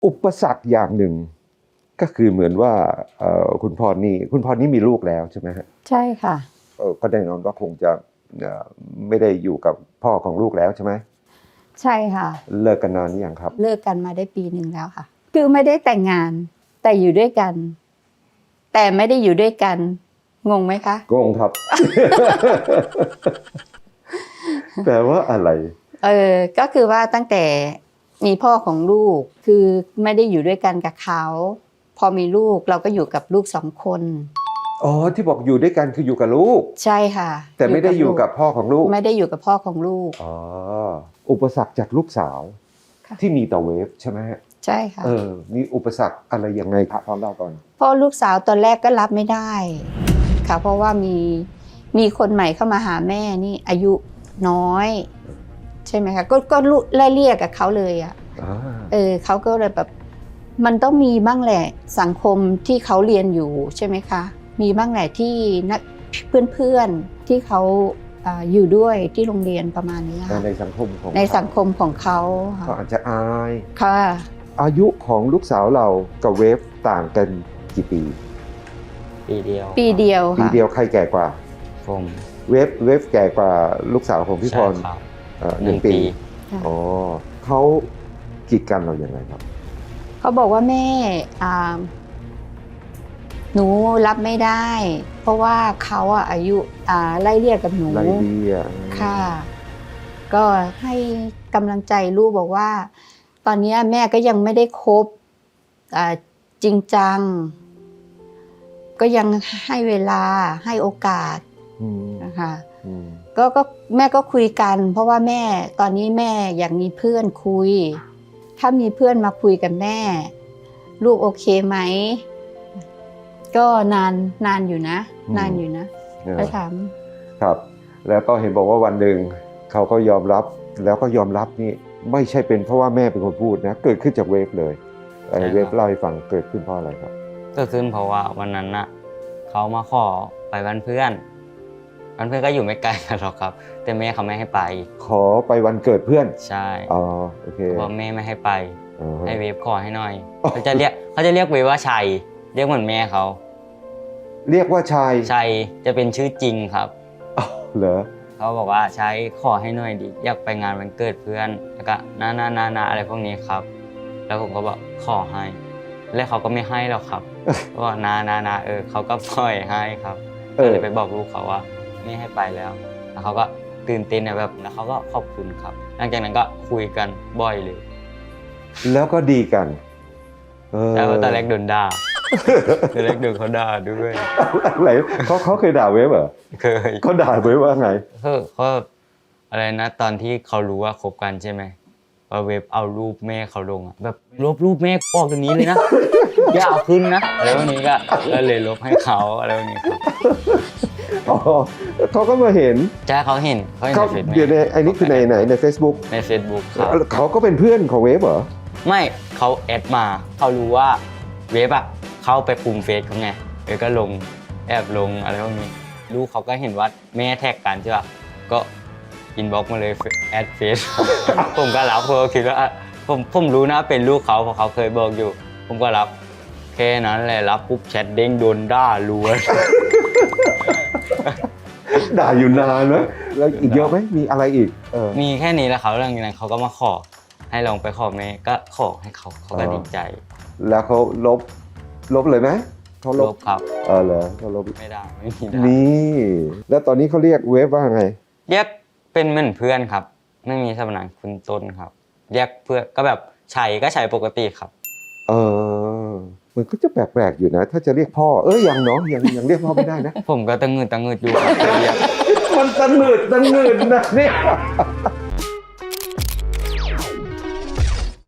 อุปสรรคอย่างหนึ่งก็คือเหมือนว่าคุณพรนี่มีลูกแล้วใช่ไหมฮะใช่ค่ะก็แน่นอนว่าคงจะไม่ได้อยู่กับพ่อของลูกแล้วใช่ไหมใช่ค่ะเลิกกันนานหรือยังครับเลิกกันมาได้ปีหนึ่งแล้วค่ะคือไม่ได้แต่งงานแต่อยู่ด้วยกันแต่ไม่ได้อยู่ด้วยกันงงไหมคะงงครับ แปลว่าอะไรก็คือว่าตั้งแต่มีพ่อของลูกคือไม่ได้อยู่ด้วยกันกับเขาพอมีลูกเราก็อยู่กับลูก2 คนอ๋อที่บอกอยู่ด้วยกันคืออยู่กับลูกใช่ค่ะแต่ไม่ได้อยู่กับพ่อของลูกไม่ได้อยู่กับพ่อของลูกอ๋ออุปสรรคจากลูกสาวที่มีต่อเวฟใช่ไหมใช่ค่ะมีอุปสรรคอะไรยังไงครับพร้อมเล่าก่อนพ่อลูกสาวตอนแรกก็รับไม่ได้ค่ะเพราะว่ามีคนใหม่เข้ามาหาแม่นี่อายุน้อยใช่ไหมคะก็ไล่เรียกกับเขาเลยอ่ะเขาก็เลยแบบมันต้องมีบ้างแหละสังคมที่เขาเรียนอยู่ใช่ไหมคะมีบ้างแหละที่นักเพื่อนๆที่เขาอยู่ด้วยที่โรงเรียนประมาณนี้ค่ะในสังคมของเขาเขาอาจจะอายค่ะอายุของลูกสาวเรากับเวฟต่างกันกี่ปีปีเดียวใครแก่กว่าผมเวฟแก่กว่าลูกสาวของพี่พร1 ปีอ๋อเขากีดกันเราอย่างไรครับเขาบอกว่าแม่หนูรับไม่ได้เพราะว่าเขาอายุไล่เลี่ยกับหนูไล่เลี่ยค่ะก็ให้กำลังใจลูกบอกว่าตอนนี้แม่ก็ยังไม่ได้คบจริงจังก็ยังให้เวลาให้โอกาสนะคะก็แม่ก็คุยกันเพราะว่าแม่ตอนนี้แม่อยากมีเพื่อนคุยถ้ามีเพื่อนมาคุยกับแม่ลูกโอเคไหมก็นานอยู่นะไปถามครับแล้วก็เห็นบอกว่าวันหนึ่งเขาก็ยอมรับแล้วก็ยอมรับนี่ไม่ใช่เป็นเพราะว่าแม่เป็นคนพูดนะเกิดขึ้นจากเวฟเลยเวฟเล่าให้ฟังเกิดขึ้นเพราะอะไรครับเกิดขึ้นเพราะว่าวันนั้นน่ะเขามาขอไปบ้านเพื่อนก็อยู่ไม่ไกลกันหรอกครับแต่แม่เขาไม่ให้ไปขอไปวันเกิดเพื่อนใช่โอเคเพราะแม่ไม่ให้ไปให้เวฟขอให้หน่อยเขาจะเรียกเวฟว่าชัยเรียกเหมือนแม่เขาเรียกว่าชัยจะเป็นชื่อจริงครับเหรอเขาบอกว่าชัยขอให้หน่อยดิอยากไปงานวันเกิดเพื่อนแล้วก็นาอะไรพวกนี้ครับแล้วผมก็บอกขอให้แล้วเขาก็ไม่ให้หรอกครับก็บอกนาเขาก็ปล่อยให้ครับก็เลยไปบอกลูกเขาว่าไม่ให้ไปแล้วเขาก็ตื่นเต้นแบบแล้วเขาก็ขอบคุณครับหลังจากนั้นก็คุยกันบ่อยเลยแล้วก็ดีกันแต่ว่าตอนแรกโดนด่าตอนแรกโดนเขาด่าด้วยอะไรเขาเคยด่าเวฟเหรอเคยเขาด่าเวฟว่าไงเขาอะไรนะตอนที่เขารู้ว่าคบกันใช่ไหมว่าเวฟเอารูปแม่เขาลงแบบลบรูปแม่ออกตรงนี้เลยนะอย่าเอาขึ้นนะอะไรพวกนี้ก็เลยลบให้เขาอะไรพวกนี้ครับเขาก็มาเห็นใช่เขาเห็นในเฟซบุ๊กเดี๋ยวไอ้นี่คือใน Facebook ใน Facebook ครับเขาก็เป็นเพื่อนของเวฟเหรอไม่เขาแอดมาเขารู้ว่าเวฟเข้าไปคุมเฟซเขาไงก็ลงแอบลงอะไรพวกนี้ลูกเขาก็เห็นว่าแม่แท็กกันใช่ป่ะก็อินบ็อกซ์มาเลยแอดเฟซผมก็รับเพราะคิดว่าผมรู้นะเป็นลูกเขาเพราะเขาเคยบอกอยู่ผมก็รับแค่นั้นแหละรับปุ๊บแชทเด้งโดนด่าล้วนด่าอยู่นานนะแล้วอีกเยอะไหมมีอะไรอีกมีแค่นี้แล้วเขาเรื่องนั้นเขาก็มาขอให้ลองไปขอแม่ก็ขอให้เขาก็ดีใจแล้วเขาลบเลยไหมเขาลบครับเหรอเขาลบไม่ได้ไม่มีได้นี่แล้วตอนนี้เขาเรียกเวฟว่าไงเรียกเป็นเหมือนเพื่อนครับไม่มีสมนามคุณต้นครับเรียกเพื่อนก็แบบชัยก็ชัยปกติครับมันก็จะแปลกๆอยู่นะถ้าจะเรียกพ่อยังเนาะยังเรียกพ่อไม่ได้นะผมก็ตังเงิดอยู่ครับมันตังเงิดนะเนี่ย